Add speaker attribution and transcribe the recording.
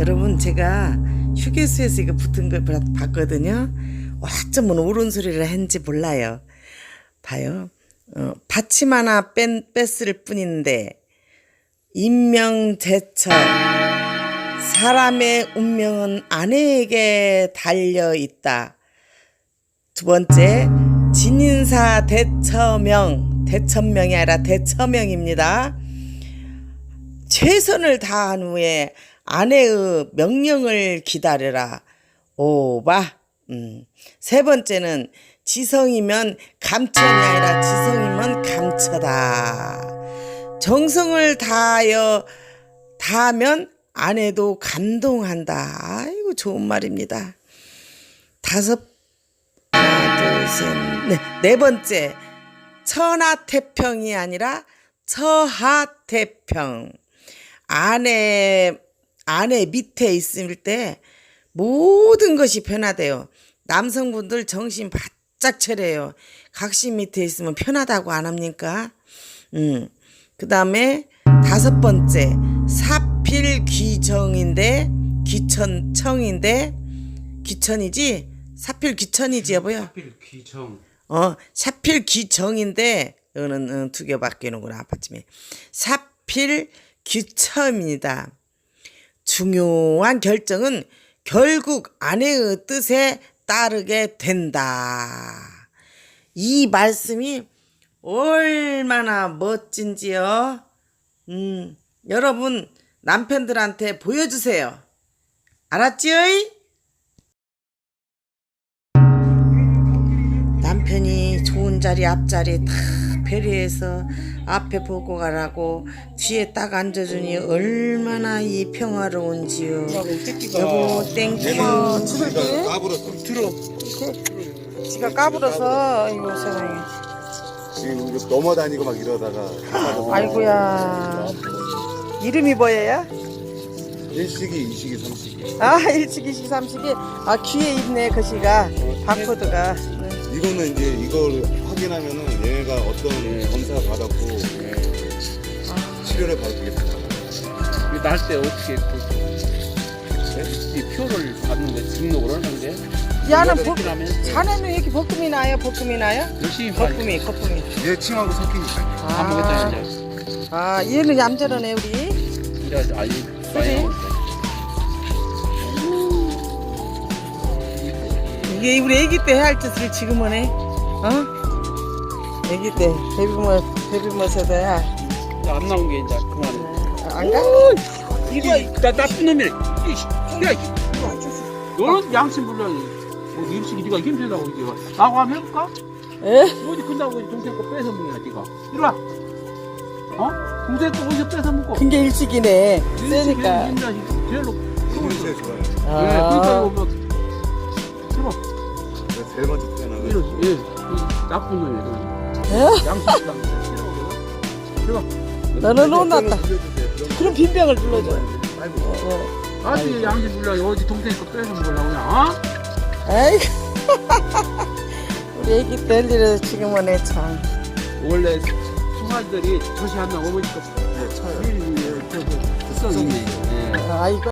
Speaker 1: 여러분, 제가 휴게소에서 이거 붙은 걸 봤거든요. 어쩌면 옳은 소리를 했는지 몰라요. 봐요. 받침 하나 뺐을 뿐인데 인명제처, 사람의 운명은 아내에게 달려있다. 두 번째, 진인사 대처명, 대천명이 아니라 대처명입니다. 최선을 다한 후에 아내의 명령을 기다려라. 오바. 세 번째는 지성이면 감천이 아니라 지성이면 감처다. 정성을 다하면 아내도 감동한다. 아이고, 좋은 말입니다. 하나, 둘, 셋, 네 번째, 천하태평이 아니라 처하태평. 아내 밑에 있을 때 모든 것이 변화돼요. 남성분들 정신 바짝 차려요. 각신 밑에 있으면 편하다고 안 합니까? 그 다음에 다섯 번째, 사필귀정인데 귀천청인데 귀천이지? 사필귀천이지 여보요?
Speaker 2: 사필귀정.
Speaker 1: 사필귀정인데 이거는 두 개 바뀌는구나 아파트에. 사필귀천입니다. 중요한 결정은 결국 아내의 뜻에 따르게 된다. 이 말씀이 얼마나 멋진지요. 여러분 남편들한테 보여주세요. 알았지요? 남편이 좋은 자리 앞자리 다 배려해서 앞에 보고 가라고 뒤에 딱 앉아주니 얼마나 이 평화로운지요. 여보 땡큐.
Speaker 3: 지가 까불었어. 들어.
Speaker 1: 지가 까불어서 이거 세상에.
Speaker 3: 지금 이거 넘어다니고 막 이러다가.
Speaker 1: 아이고야. 이름이 뭐예요?
Speaker 3: 일식이, 이식이, 삼식이.
Speaker 1: 일식이, 이식, 삼식이. 귀에 있네 글씨가. 바코드가.
Speaker 3: 이거는 이제 이걸 확인하면은 얘가 어떤 검사 받았고 치료를 받겠다.
Speaker 2: 이거 날 때 어떻게 이 표를 받는 게 등록을 하는데?
Speaker 1: 야는 자네는 이렇게 볶음이 나요?
Speaker 2: 열심히
Speaker 1: 거품이.
Speaker 3: 얘 침하고 섞이니까.
Speaker 2: 아무것도 이제.
Speaker 1: 얘는 얌전하네 우리.
Speaker 2: 이제 아이
Speaker 1: 그지? 이게 우리 애기 때 해야 할 짓을 지금은 해. 애기 때 베비머스도 해.
Speaker 2: 안 나온 게 이제 그만해.
Speaker 1: 안 가?
Speaker 2: 이거 나 나쁜 놈이네. 야, 너는 양심 불량이. 뭐 임식이 네가 힘들다고 이게 나하고 한번 해볼까? 어디 끝나고 동생 거 뺏어 먹냐 네가. 이리 와. 동생 거 어디서 뺏어 먹고.
Speaker 1: 그게 일식이네. 세니까.
Speaker 2: 제일로.
Speaker 3: 이름새 좋아요.
Speaker 2: 그러니까 이거 막. 들어.
Speaker 3: 내가 제일 먼저 태어나고.
Speaker 2: 이 나쁜 놈이야. 양심 불량. 들어.
Speaker 1: 너는 혼났다. 그럼 빈병을 불러줘.
Speaker 2: 아주 양심 불량이 어디 동생 거 뺏어 먹으려고 그냥.
Speaker 1: 아이고. 우리 애기 때 일이라도 지금은 해 참.
Speaker 2: 원래 수마들이 젖이 안 나 어머니가 쳐요. 그 썩이.
Speaker 1: 아이고.